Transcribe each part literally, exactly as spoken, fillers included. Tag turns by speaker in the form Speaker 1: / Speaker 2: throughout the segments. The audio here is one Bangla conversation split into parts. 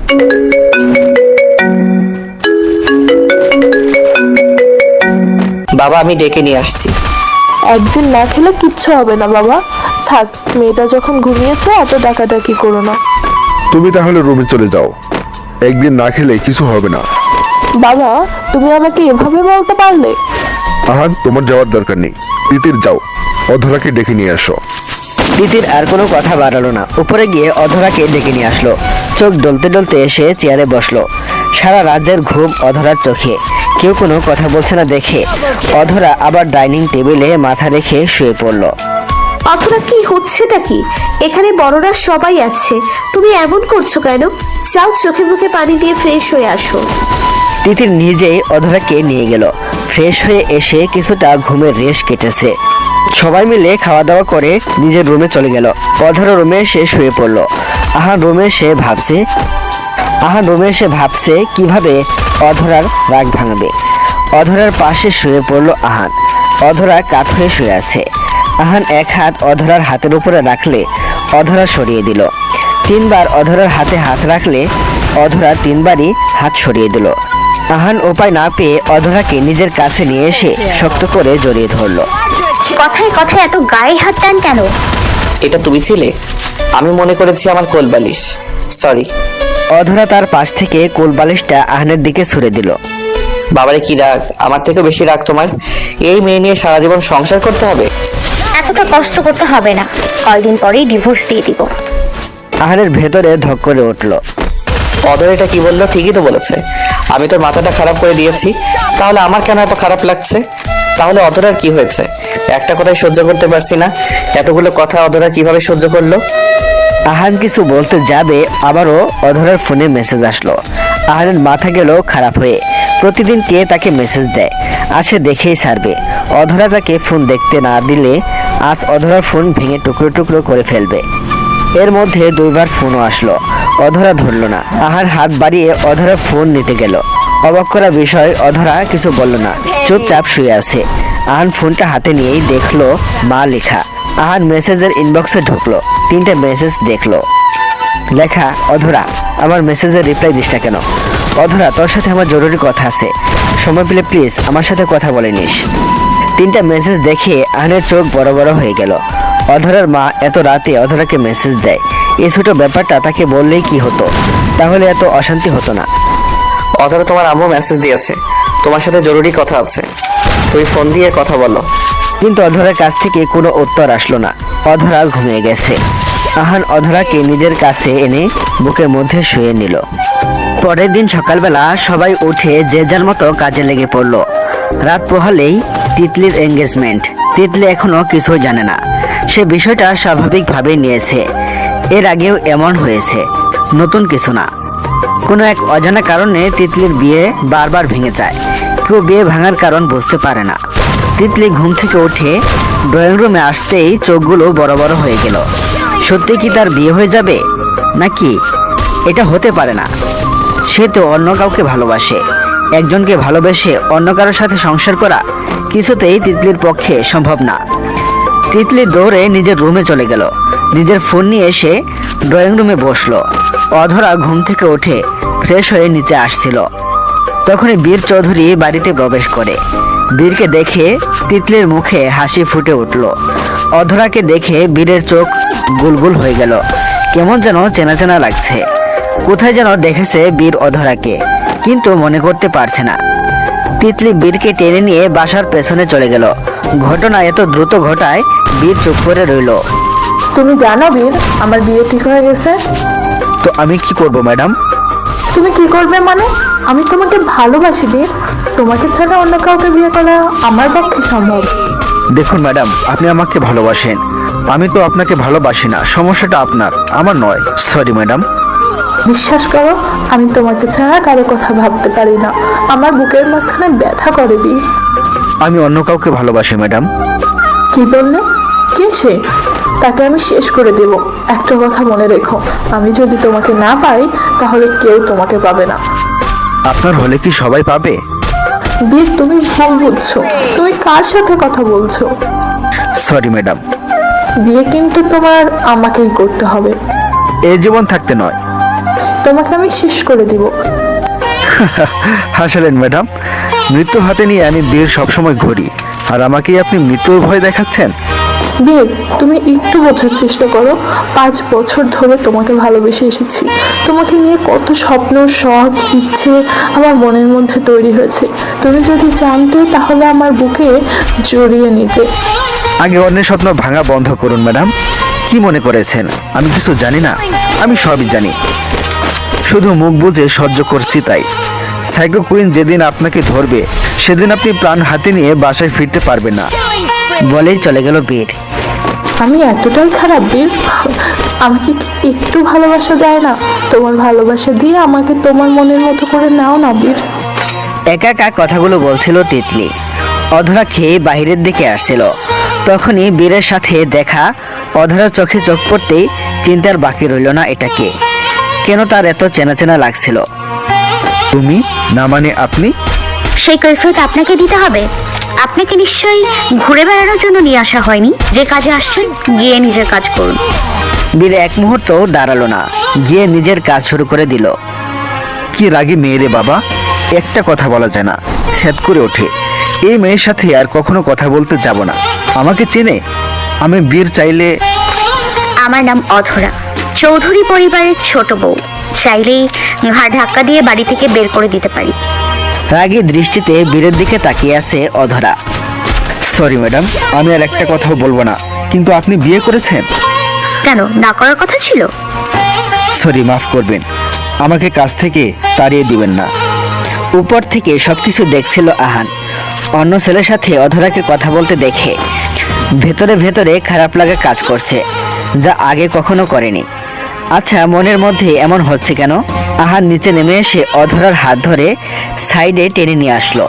Speaker 1: বাবা, আমি ডেকে নিয়ে আসছি।
Speaker 2: একদিন না খেলে কিচ্ছু হবে না বাবা, থাক, মেয়েটা যখন ঘুমিয়েছে এত ডাকাডাকি করো না।
Speaker 3: তুমি তাহলে রুমে চলে যাও, একদিন না খেলে কিছু হবে না।
Speaker 2: বাবা, তুমি আমাকে এভাবে বলতে পারলে?
Speaker 3: আহান, তোমার যাওয়ার দরকার নেই, তিতির যাও, অধরাকে ডেকে নিয়ে আসো।
Speaker 4: তিতির আর কোনো কথা বাড়ালো না, উপরে গিয়ে অধরাকে ডেকে নিয়ে আসলো। চোখ ডলতে ডলতে এসে চেয়ারে বসলো। সারা রাজ্যের ঘুম অধরার চোখে, কেউ কোনো কথা বলছে না দেখে অধরা আবার ডাইনিং টেবিলে মাথা রেখে শুয়ে পড়লো।
Speaker 5: অথবা কি হচ্ছেটা কি? এখানে বড়রা সবাই আছে, তুমি এমন করছো কেন? যাও চোখে মুখে পানি দিয়ে ফ্রেশ হয়ে আসো।
Speaker 4: তিতির নিজেই অধরাকে নিয়ে গেল। ফ্রেশ হয়ে এসে কিছুটা ঘুমের রেশ কেটেছে। সবাই মিলে খাওয়া দাওয়া করে নিজের রুমে চলে গেল। অধরা রুমে সে শুয়ে পড়লো। আহান রুমে সে ভাবছে আহান রুমে সে ভাবছে কিভাবে অধরার রাগ ভাঙবে। অধরার পাশে শুয়ে পড়লো আহান। অধরা কাত হয়ে শুয়ে আছে। আহান এক হাত অধরার হাতের উপরে রাখলে অধরা সরিয়ে দিল। তিনবার অধরার হাতে হাত রাখলে অধরা তিনবারই হাত সরিয়ে দিল। আহান উপায় না পেয়ে অধরাকে নিজের কাছে নিয়ে এসে শক্ত করে জড়িয়ে ধরলো।
Speaker 6: কথায় কথায় এত গায়ে হাত টান কেন?
Speaker 1: এটা তুমি ছিলে? আমি মনে করেছি আমার কোলবালিশ, সরি।
Speaker 4: অধরা তার পাশ থেকে কোলবালিশটা আহানের দিকে ছুড়ে দিল।
Speaker 1: বাবারে কি রাগ, আমার থেকে বেশি রাগ তোমার। এই মেয়ে নিয়ে সারা জীবন সংসার করতে হবে?
Speaker 6: এতটা কষ্ট করতে হবে না, কয়দিন পরেই ডিভোর্স দিয়ে দিব।
Speaker 4: আহানের ভেতরে ধক করে উঠল।
Speaker 1: অধর এটা কি বললো? ঠিকই তো বলেছে। আমি তোর মাথাটা খারাপ করে দিয়েছি, তাহলে আমার কেন এত খারাপ লাগছে? তাহলে অধরার কি হয়েছে? একটা কথাই সহ্য করতে পারছি না, এতগুলো কথা অধরা কিভাবে সহ্য করলো?
Speaker 4: আহান কিছু বলতে যাবে, আবারও অধরার ফোনে মেসেজ আসলো। আহানের মাথা গেল খারাপ হয়ে। প্রতিদিন কে তাকে মেসেজ দেয়, আসে দেখেই ছাড়বে। অধরা তাকে ফোন দেখতে না দিলে আজ অধরার ফোন ভেঙে টুকরো টুকরো করে ফেলবে। এর মধ্যে দুইবার ফোনও আসলো, অধরা ধরল না। আহার হাত বাড়িয়ে অধরা ফোন নিতে গেল। অবাক করা বিষয়, অধরা কিছু বলল না, চুপচাপ শুয়ে আছে। আহান ফোনটা হাতে নিয়েই দেখলো মা লেখা। আহান মেসেজের ইনবক্সে ঢুকলো, তিনটে মেসেজ দেখলো। লেখা, অধরা, আমার মেসেজের রিপ্লাই দিস না কেন? অধরা, তোর সাথে আমার জরুরি কথা আছে, সময় পেলে প্লিজ আমার সাথে কথা বলে নিস। তিনটা মেসেজ দেখে আহানের চোখ বড় বড় হয়ে গেল। অধরার মা এত রাতে অধরাকে মেসেজ দেয়, এই ছোট ব্যাপারটা তাকে বললেই কি হতো, তাহলে এত অশান্তি হতো না।
Speaker 1: অধরা, তোমার আম্মু মেসেজ দিয়েছে, তোমার সাথে জরুরি কথা আছে, তুমি ফোন দিয়ে কথা বলো।
Speaker 4: কিন্তু অধরার কাছ থেকে কোনো উত্তর আসলো না। অধরা ঘুমিয়ে গেছে। আহান অধরাকে নিজের কাছে এনে বুকের মধ্যে শুয়ে নিল। পরের দিন সকালবেলা সবাই উঠে যে যার মতো কাজে লেগে পড়লো। রাত পোহালেই তিতলির এঙ্গেজমেন্ট। তিতলি এখনো কিছু জানে না, সে বিষয়টা স্বাভাবিকভাবে নিয়েছে। এর আগেও এমন হয়েছে, নতুন কিছু না। কোনো এক অজানা কারণে তিতলির বিয়ে বারবার ভেঙে যায়। কেউ বিয়ে ভাঙার কারণ বুঝতে পারে না। তিতলি ঘুম থেকে উঠে ড্রয়িং রুমে আসতেই চোখগুলো বড় বড় হয়ে গেল। সত্যি কি তার বিয়ে হয়ে যাবে নাকি? এটা হতে পারে না, সে তো অন্য কাউকে ভালোবাসে। একজনকে ভালোবেসে অন্য কারোর সাথে সংসার করা কিছুতেই তিতলির পক্ষে সম্ভব না। তিতলি দৌড়ে নিজের রুমে চলে গেল। নিজের ফোন নিয়ে এসে ড্রয়িং রুমে বসলো। অধরা ঘুম থেকে উঠে ফ্রেশ হয়ে নিচে আসছিল। তখনই বীর চৌধুরী বাড়িতে প্রবেশ করে। বীরকে দেখে তিতলির মুখে হাসি ফুটে উঠল। অধরাকে দেখে বীরের চোখ গুলগুল হয়ে গেল, কেমন যেন চেনা চেনা লাগছে। কোথায় যেন দেখেছে বীর অধরাকে, কিন্তু মনে করতে পারছে না। তিতলি বীরকে টেনে নিয়ে বাসার পেছনে চলে গেল। ঘটনা এত দ্রুত ঘটায় বীর চুপ করে রইল।
Speaker 2: তুমি জানো বীর, আমার বিয়ে ঠিক হয়ে গেছে।
Speaker 3: তো আমি কি করব ম্যাডাম?
Speaker 2: তুমি কি করবে মানে? আমি তোমাকে ভালোবাসি বীর, তোমাকে ছাড়া অন্য কাউকে বিয়ে করা আমার পক্ষে সম্ভব।
Speaker 3: দেখুন ম্যাডাম, আপনি আমাকে ভালোবাসেন, আমি তো আপনাকে ভালোবাসি না। সমস্যাটা আপনার, আমার নয়। Sorry madam.
Speaker 2: বিশ্বাস করো, আমি তোমাকে ছাড়া কারো কথা ভাবতে পারি না। আমার বুকের মাঝখানে ব্যথা করে বীর।
Speaker 3: আমি অন্য কাউকে ভালোবাসি ম্যাডাম।
Speaker 2: কি বললে? কে সে? তাকে আমি শেষ করে দেব। একটা কথা মনে রেখো, আমি যদি তোমাকে না পাই তাহলে কেউ তোমাকে পাবে না।
Speaker 3: আপনার হলে কি সবাই পাবে?
Speaker 2: বীর, তুমি ভুল বুঝছো। তুমি কার সাথে কথা বলছো?
Speaker 3: Sorry madam.
Speaker 2: বিয়ে কিন্তু তোমার আমাকেই করতে হবে।
Speaker 3: এই জীবন থাকতে নয়।
Speaker 2: তোমাকে আমি শেষ করে দিব।
Speaker 3: হাসালেন ম্যাডাম, মৃত্যু হাতে নিয়ে আমি বীর সবসময় ঘুরি, আর আমাকেই আপনি মৃত্যুর ভয় দেখাচ্ছেন?
Speaker 2: বীর, তুমি একটু বোঝার চেষ্টা করো। পাঁচ বছর ধরে তোমাকে ভালোবেসে এসেছি। তোমাকে নিয়ে কত স্বপ্ন, শখ, ইচ্ছে আমার মনের মধ্যে তৈরি হয়েছে। তুমি যদি জানতে তাহলে আমার বুকে জড়িয়ে নিতে।
Speaker 3: আগে অন্যের স্বপ্ন ভাঙা বন্ধ করুন ম্যাডাম। কি মনে করেছেন আমি কিছু জানি না? আমি সবই জানি, শুধু মুখ বুজে সহ্য করছি তাই। সাইকো কুইন যেদিন আপনাকে ধরবে সেদিন আপনি প্রাণ হাতে নিয়ে বাসায় ফিরতে পারবেন না।
Speaker 4: বলেই চলে গেল বীর।
Speaker 2: আমি এতটাই খারাপ বীর? আমাকে কি একটু ভালোবাসা যায় না? তোমার ভালোবাসা দিয়ে আমাকে তোমার মনের মতো করে নাও না বীর।
Speaker 4: একা একা কথাগুলো বলছিল তিতলি। অধরা খেয়ে বাহিরের দিকে আসছিল, তখনই বীরের সাথে দেখা। অধরার চোখে চোখ পড়তেই চিন্তার বাকি রইল না এটাকে, কেন তার এত চেনা চেনা লাগছিল।
Speaker 3: তুমি না মানে আপনি?
Speaker 6: সেই কৈফিয়ত আপনাকে দিতে হবে? আপনাকে নিশ্চয়ই ঘুরে বেড়ানোর জন্য নিয়ে আসা হয়নি। যে কাজে আসছেন গিয়ে নিজের কাজ করুন।
Speaker 4: বীর এক মুহূর্ত দাঁড়ালো না, গিয়ে নিজের কাজ শুরু করে দিল।
Speaker 3: কি রাগী মেয়ে রে বাবা, একটা কথা বলা যায় না, ছ্যাদ করে ওঠে। এই মেয়ের সাথে আর কখনো কথা বলতে যাব না। আমাকে চেনে? আমি বীর চাইলে।
Speaker 6: আমার নাম অধরা, চৌধুরী পরিবারের ছোট বউ। চাইলেই ঘাড় ধাক্কা দিয়ে বাড়ি থেকে বের করে দিতে পারি।
Speaker 4: রাগী দৃষ্টিতে বীরের দিকে তাকিয়ে আছে অধরা।
Speaker 3: সরি ম্যাডাম, আমি আর একটা কথাও বলবো না, কিন্তু আপনি বিয়ে করেছেন?
Speaker 6: কেন, না করার কথা ছিল?
Speaker 3: সরি, মাফ করবেন, আমাকে কাজ থেকে তাড়িয়ে দিবেন না।
Speaker 4: উপর থেকে সবকিছু দেখছিল আহান। অন্য ছেলের সাথে অধরাকে কথা বলতে দেখে ভেতরে ভেতরে খারাপ লাগা কাজ করছে, যা আগে কখনো করেনি। আচ্ছা, মনের মধ্যে এমন হচ্ছে কেন? আহান নিচে নেমে এসে অধরার হাত ধরে সাইডে টেনে নিয়ে আসলো।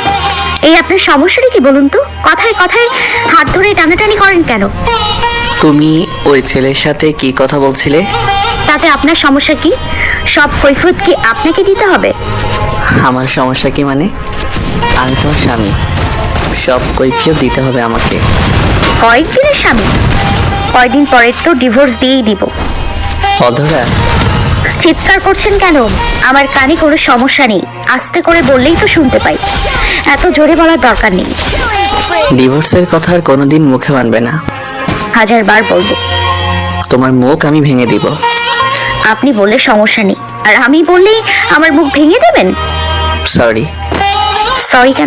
Speaker 6: এই আপনার সমস্যাটা কি বলুন তো? কথায় কথায় হাত ধরে টানাটানি করেন কেন?
Speaker 1: তুমি ওই ছেলের সাথে কি কথা বলছিলে?
Speaker 6: তাতে আপনার সমস্যা কি? সব কৈফিয়ত কি আপনাকে দিতে হবে?
Speaker 1: আমার সমস্যা কি মানে? আমি তোমার স্বামী, সব কৈফিয়ত দিতে হবে আমাকে।
Speaker 6: কয়েকদিনের স্বামী? কয়দিন পরে তো ডিভোর্স দিয়েই দিব।
Speaker 1: অধরা,
Speaker 6: চিৎকার করছেন কেন? আমার কানে কোনো সমস্যা নেই, আস্তে করে বললেই তো শুনতে পাই। এত জোরে বলার দরকার নেই।
Speaker 1: ডিভোর্সের কথা আর কোনোদিন মুখে মানবে না।
Speaker 6: হাজার বার বলবো।
Speaker 1: তোমার মুখ আমি ভেঙে দিব।
Speaker 6: আপনি বললে সমস্যা নেই, আর আমি বললেই আমার মুখ ভেঙে দেবেন?
Speaker 1: সরি।
Speaker 6: সরি কেন?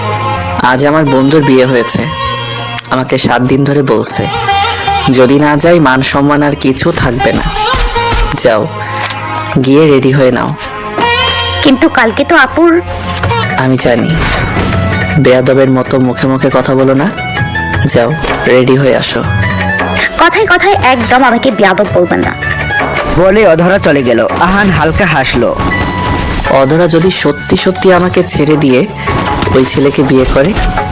Speaker 1: আজ আমার বন্ধুর বিয়ে হয়েছে, আমাকে সাত দিন ধরে বলছে যদি না যাই মান সম্মান আর কিছু থাকবে না। যাও, গিয়ে রেডি হয়ে নাও।
Speaker 6: কিন্তু কালকে তো আপুর।
Speaker 1: আমি জানি, বেয়াদবের মতো মুখে মুখে কথা বলো না। যাও, রেডি হয়ে আসো।
Speaker 6: কথায় কথায় একদম আমাকে বেয়াদব বলবেন না।
Speaker 4: বলে অধরা চলে গেল। আহান হালকা হাসলো।
Speaker 1: অধরা যদি সত্যি সত্যি আমাকে ছেড়ে দিয়ে ওই ছেলেকে বিয়ে করে,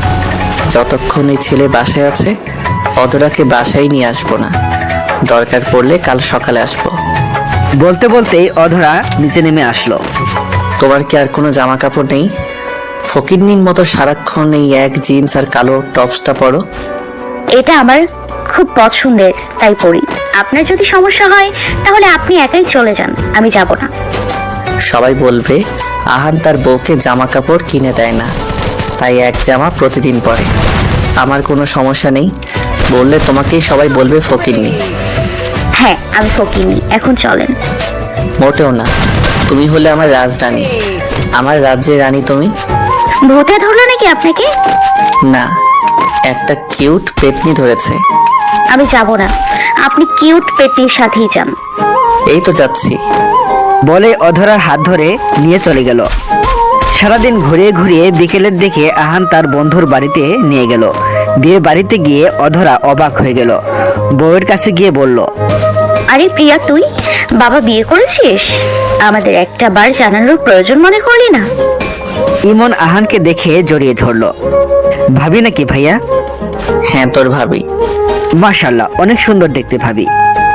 Speaker 1: যতক্ষণ এই ছেলে বাসায় আছে অধরাকে বাসায় নিয়ে আসবো না। দরকার পড়লে কাল সকালে আসবো।
Speaker 4: বলতে বলতেই অধরা নিচে নেমে আসলো।
Speaker 1: তোমার কি আর কোনো জামা কাপড় নেই? ফকিরনির মতো সারাক্ষণ এই এক জিন্স আর কালো টপসটা পরো।
Speaker 6: এটা আমার খুব পছন্দের, তাই পড়ি। আপনার যদি সমস্যা হয় তাহলে আপনি একাই চলে যান, আমি যাব না।
Speaker 1: সবাই বলবে আহান তার বউকে জামা কাপড় কিনে দেয় না, তাই এক জামা প্রতিদিন পরে। আমার কোনো সমস্যা নেই, বললে তোমাকেই সবাই বলবে ফকিরনি।
Speaker 6: হ্যাঁ, আমি ফকিনি, এখন চলেন।
Speaker 1: মোটেও না, তুমি হলে আমার রাজরানী, আমার রাজ্যের রানী তুমি।
Speaker 6: ভূতে ধরলো নাকি আপনাকে?
Speaker 1: না, একটা কিউট পেতনি ধরেছে।
Speaker 6: আমি যাব না, আপনি কিউট পেটির সাথেই যান।
Speaker 1: এই তো যাচ্ছি।
Speaker 4: বলে অধরার হাত ধরে নিয়ে চলে গেল। সারাদিন ঘুরিয়ে ঘুরিয়ে বিকেলের দিকে আহান তার বন্ধুর বাড়িতে নিয়ে গেল। বিয়ে বাড়িতে গিয়ে অধরা অবাক হয়ে গেল। বউয়ের কাছে গিয়ে বলল,
Speaker 6: আরে প্রিয়া, তুই বাবা বিয়ে করেছিস? আমাদের একটা বার জানানোর প্রয়োজন মনে করলি না?
Speaker 4: ইমন আহানকে দেখে জড়িয়ে ধরলো। ভাবি নাকি ভাইয়া?
Speaker 1: হ্যাঁ, তোর ভাবি।
Speaker 4: মাশাআল্লাহ, অনেক সুন্দর দেখতে ভাবি।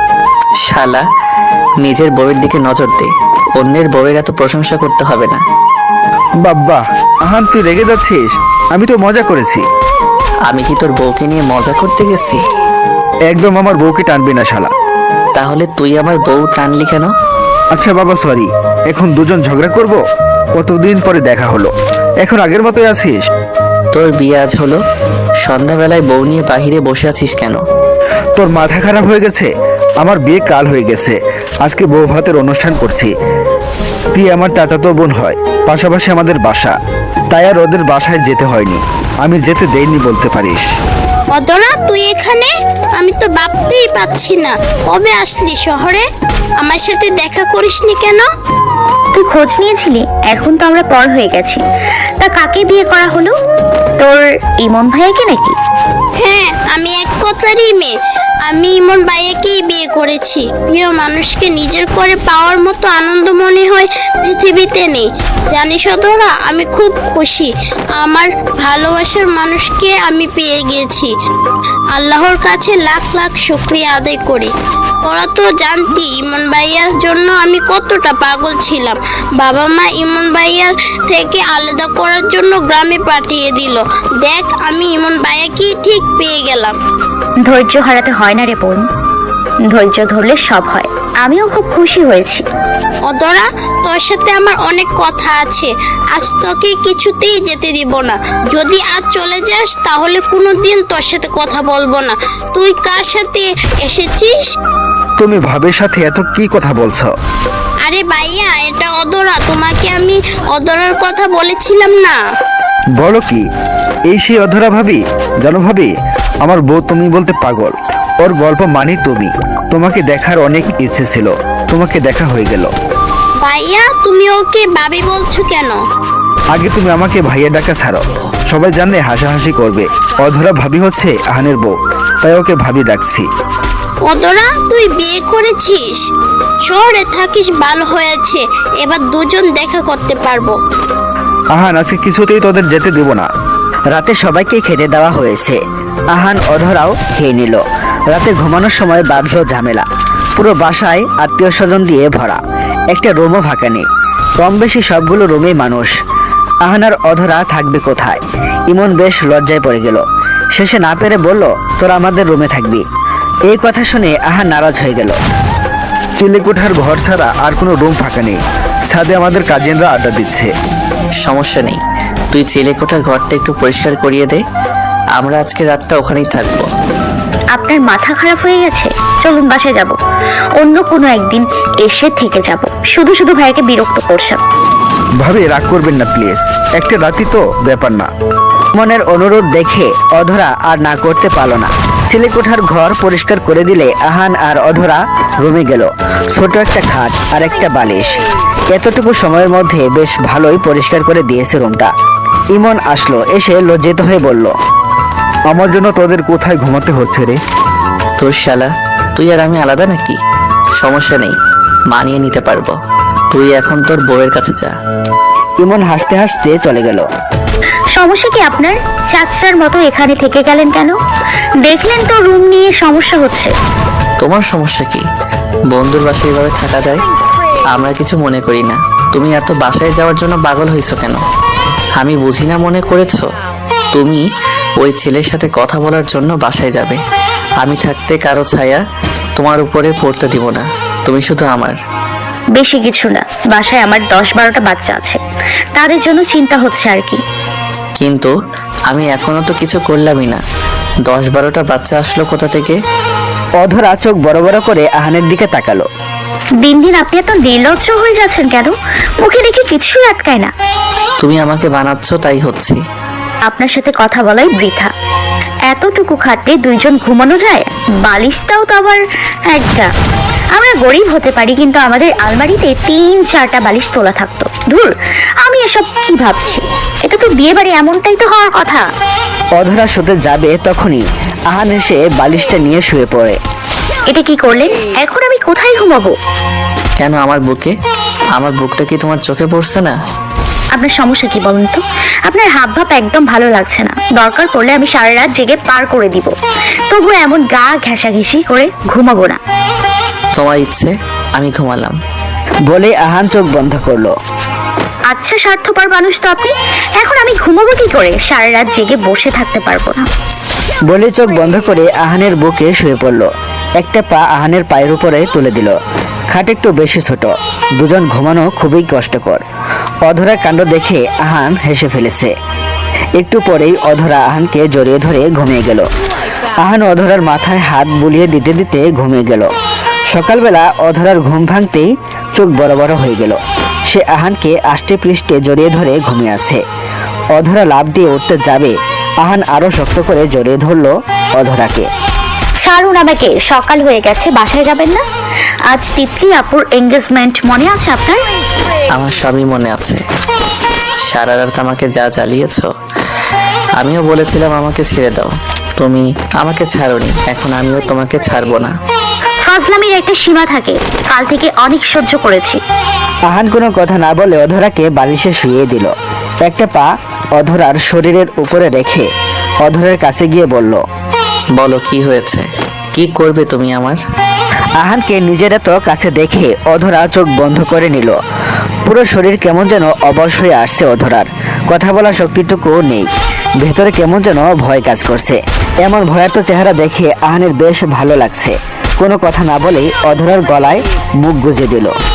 Speaker 1: শালা, নিজের বউয়ের দিকে নজর দে, অন্যের বউয়ের এত প্রশংসা করতে হবে না।
Speaker 3: বাব্বা, আহান তুই রেগে যাচ্ছিস? আমি তো মজা করেছি।
Speaker 1: আমি কি তোর বউকে নিয়ে মজা করতে গেছি?
Speaker 3: একদম আমার বউকে টানবি না শালা।
Speaker 1: তাহলে তুই আমার বউ টানলি কেন?
Speaker 3: আচ্ছা বাবা সরি, এখন দুজন ঝগড়া করব? কতদিন পরে দেখা হলো, এখন আগের মতোই আছিস?
Speaker 1: তোর বিয়ে আজ হলো, সন্ধ্যাবেলায় বউ নিয়ে বাহিরে বসে আছিস কেন?
Speaker 3: তোর মাথা খারাপ হয়ে গেছে? আমার বিয়ে কাল হয়ে গেছে, আজকে বউ ভাতের অনুষ্ঠান করছি। প্রিয়া আমার চাচাতো বোন হয়, পাশাপাশি আমাদের বাসা, তাই আর ওদের বাসায় যেতে হয়নি। আমি যেতে দেইনি বলতে পারিস।
Speaker 7: অদরা তুই এখানে? আমি তো ভাবতেই পাচ্ছি না কবে আসলি শহরে, আমার সাথে দেখা করিসনি কেন?
Speaker 6: তুই খোঁজ নিয়েছিলি? এখন তো আমরা পর হয়ে গেছি। তা কাকে বিয়ে করা হলো? তোর ইমন ভাইয়াকে নাকি?
Speaker 7: হ্যাঁ, আমি এক কথারই মেয়ে। আমি ইমন ভাইয়াকেই বিয়ে করেছি। প্রিয় মানুষকে নিজের করে পাওয়ার মতো আনন্দ মনে হয় পৃথিবীতে নেই। জানিস অদরা, আমি খুব খুশি। আমার ভালোবাসার মানুষকে আমি পেয়ে গেছি। আল্লাহর কাছে লাখ লাখ শুকরিয়া আদায় করি। তোরা তো জানতি ইমন ভাইয়ার জন্য আমি কতটা পাগল ছিলাম। বাবা মা ইমন ভাইয়ার থেকে আলাদা করার জন্য গ্রামে পাঠিয়ে দিল। দেখ, আমি ইমন ভাইয়াকেই ঠিক পেয়ে গেলাম।
Speaker 6: ধৈর্য হারাতে হয় না রে বোন, ধৈর্য ধরলে সব হয়। আমিও খুব খুশি হয়েছি।
Speaker 7: অদরা, তোর সাথে আমার অনেক কথা আছে। আজ তোকে কিছুতেই যেতে দিব না। যদি আজ চলে যাস তাহলে কোনোদিন তোর সাথে কথা বলবো না। তুই কার সাথে এসেছিস?
Speaker 3: তুমি ভাবের সাথে এত কি কথা বলছো?
Speaker 7: আরে ভাইয়া, এটা অদরা। তোমাকে আমি অদরার কথা বলেছিলাম না?
Speaker 3: বলো কি? এই সেই অধরা ভাবি? জানো ভাবি, আমার বউ তুমি বলতে পাগল। ওর গল্প মানি তুমি। তোমাকে দেখার অনেক ইচ্ছে ছিল, তোমাকে দেখা হয়ে গেল।
Speaker 7: ভাইয়া, তুমি ওকে ভাবি বলছো কেন?
Speaker 3: আগে তুমি আমাকে ভাইয়া ডাকা ছাড়ো, সবাই জানলে হাসাহাসি করবে। অধরা ভাবি হচ্ছে আহানের বউ, তাই ওকে ভাবি ডাকছি।
Speaker 7: অদরা, তুই বিয়ে করেছিস? শহরে থাকিস, ভালো হয়েছে। এবার দুজন দেখা করতে পারবো।
Speaker 3: আহান আজকে কিছুতেই তোদের যেতে দেব না।
Speaker 4: রাতে সবাইকে খেতে দেওয়া হয়েছে। আহান অধরাও খেয়ে নিল। রাতে ঘুমানোর সময় বাঁধল ঝামেলা। পুরো বাসায় আত্মীয় স্বজন দিয়ে ভরা, একটা রুমও ফাঁকা নেই। কম বেশি সবগুলো রুমেই মানুষ। আহান আর অধরা থাকবে কোথায়? ইমন বেশ লজ্জায় পড়ে গেল। শেষে না পেরে বলল, তোরা আমাদের রুমে থাকবি। এই কথা শুনে আহান নারাজ হয়ে গেল।
Speaker 3: চিলেকোঠার ঘর ছাড়া আর কোনো রুম ফাঁকা নেই। ছাদে আমাদের কাজিনরা আড্ডা দিচ্ছে।
Speaker 1: সমস্যা নেই, তুই চিলেকোঠার ঘরটা একটু পরিষ্কার করিয়ে দে। আমরা আজকে রাতটা ওখানেই থাকবো।
Speaker 6: আপনার মাথা খারাপ হয়ে গেছে? চলুন বাসায় যাব, অন্য কোনো একদিন এসে থেকে যাব। শুধু শুধু ভাইয়াকে বিরক্ত করছেন।
Speaker 3: ভাবি রাগ করবেন না প্লিজ, একটা রাতি তো, ব্যাপার না।
Speaker 4: মনের অনুরোধ দেখে অধরা আর না করতে পারল না। ছেলেকোঠার ঘর পরিষ্কার করে দিলে আহান আর অধরা রুমে গেল। ছোট একটা খাট আর একটা বালিশ, এতটুকু সময়ের মধ্যে বেশ ভালোই পরিষ্কার করে দিয়েছে রুমটা। ইমন আসলো, এসে লজ্জিত হয়ে বলল,
Speaker 3: আমার জন্য তোদের কোথায় ঘুমাতে হচ্ছে রে?
Speaker 1: তোর শালা, তুই আর আমি আলাদা নাকি? সমস্যা নেই, মানিয়ে নিতে পারবো। তুই এখন তোর বউয়ের কাছে যা।
Speaker 4: ইমন হাসতে হাসতে চলে গেল।
Speaker 6: সমস্যা কি আপনার? চাচরার মতো এখানে থেকে গেলেন কেন? দেখলেন তো রুম নিয়ে সমস্যা হচ্ছে।
Speaker 1: তোমার সমস্যা কি? বন্ধুর বাসায় এভাবে থাকা যায়? আমরা কিছু মনে করি না। তুমি এত বাসায় যাওয়ার জন্য পাগল হয়েছো কেন? আমি বুঝি না মনে করেছো? তুমি ওই ছেলের সাথে কথা বলার জন্য বাসায় যাবে। আমি থাকতে কারো ছায়া তোমার উপরে পড়তে দিব না। তুমি শুধু আমার।
Speaker 6: বেশি কিছু না, বাসায় আমার দশ বারোটা বাচ্চা আছে, তাদের জন্য চিন্তা হচ্ছে আর কি।
Speaker 1: কিন্তু আমি এখনো তো কিছু করলামই না। দশ বারোটা বাচ্চা আসলো কোথা থেকে?
Speaker 4: অধরা চোখ বড় বড় করে আহানের দিকে তাকালো।
Speaker 6: দিন দিন আপনি এত নির্লজ্জ হয়ে যাচ্ছেন কেন? মুখে দেখে কিছুই আটকায় না।
Speaker 1: তুমি আমাকে বানাচ্ছ, তাই হচ্ছে।
Speaker 6: আপনার সাথে কথা বলাই বৃথা। এতটুকু খাটে দুইজন ঘুমানো যায়? বালিশটাও তো আবার একটা। আমরা গরিব হতে পারি, কিন্তু আমাদের আলমারিতে তিন চারটা বালিশ তোলা থাকতো। ধুর, আমি এসব কি ভাবছি? এটা তো বিয়ে বাড়ি, এমনটাই তো হওয়ার কথা।
Speaker 4: অধরা শুতে যাবে তখনই আহান এসে বালিশটা নিয়ে শুয়ে পড়ে।
Speaker 6: এটা কি করলেন? এখন আমি কোথায় ঘুমাবো?
Speaker 1: কেন আমার বুকে? আমার বুকটা কি তোমার চোখে পড়ছে না?
Speaker 6: আপনার সমস্যা কি বলুন তো? আপনার হাব ভাব একদম ভালো লাগছে না। দরকার পড়লে আমি সারা রাত জেগে পার করে দিব, তবু এমন গা ঘেঁষাঘেঁষি করে ঘুমাবো না।
Speaker 1: তোমার ইচ্ছে, আমি ঘুমালাম।
Speaker 4: বলে আহান চোখ বন্ধ করলো।
Speaker 6: আচ্ছা, স্বার্থপর মানুষ তো আপনি। এখন আমি ঘুমাবো কি করে? সারা রাত জেগে বসে থাকতে পারবো না।
Speaker 4: বলে চোখ বন্ধ করে আহানের বুকে শুয়ে পড়লো। একটা পা আহানের পায়ের উপরে তুলে দিল। খাট একটু বেশি ছোট, দুজন ঘুমানো খুবই কষ্টকর। অধরার কাণ্ড দেখে আহান হেসে ফেলেছে। একটু পরেই অধরা আহানকে জড়িয়ে ধরে ঘুমিয়ে গেল। আহান অধরার মাথায় হাত বুলিয়ে দিতে দিতে ঘুমিয়ে গেল। সকালবেলা অধরার ঘুম ভাঙতেই চোখ বড় বড় হয়ে গেল। সে আহানকে আষ্টে পৃষ্ঠে জড়িয়ে ধরে ঘুমিয়ে আছে। অধরা লাফ দিয়ে উঠতে যাবে, আহান আরো শক্ত করে জড়িয়ে ধরলো অধরাকে।
Speaker 6: ছাড়ুন আমাকে, সকাল হয়ে গেছে, বাসায় যাবেন না? আজ তিতলি আপুর এঙ্গেজমেন্ট, মনে আছে আপনার?
Speaker 1: আমার সবই মনে আছে। সারা রাত আমাকে যা জ্বালিয়েছো। আমিও বলেছিলাম আমাকে ছেড়ে দাও, তুমি আমাকে ছাড়োনি, এখন আমিও তোমাকে ছাড়বো না।
Speaker 6: ফাজলামির একটা সীমা থাকে, কাল থেকে অনেক সহ্য করেছি।
Speaker 4: আহান কোনো কথা না বলে অধরাকে বালিশে শুইয়ে দিল। একটা পা অধরার শরীরের উপরে রেখে অধরার কাছে গিয়ে বলল,
Speaker 1: বলো কি হয়েছে, কি করবে তুমি আমার?
Speaker 4: আহানকে নিজের এত কাছে দেখে অধরা চোখ বন্ধ করে নিল। পুরো শরীর কেমন যেন অবশ হয়ে আসছে অধরার, কথা বলার শক্তিটুকু নেই। ভেতরে কেমন যেন ভয় কাজ করছে। এমন ভয়ার্ত চেহারা দেখে আহানের বেশ ভালো লাগছে। কোনো কথা না বলেই অধরার গলায় মুখ গুজে দিল।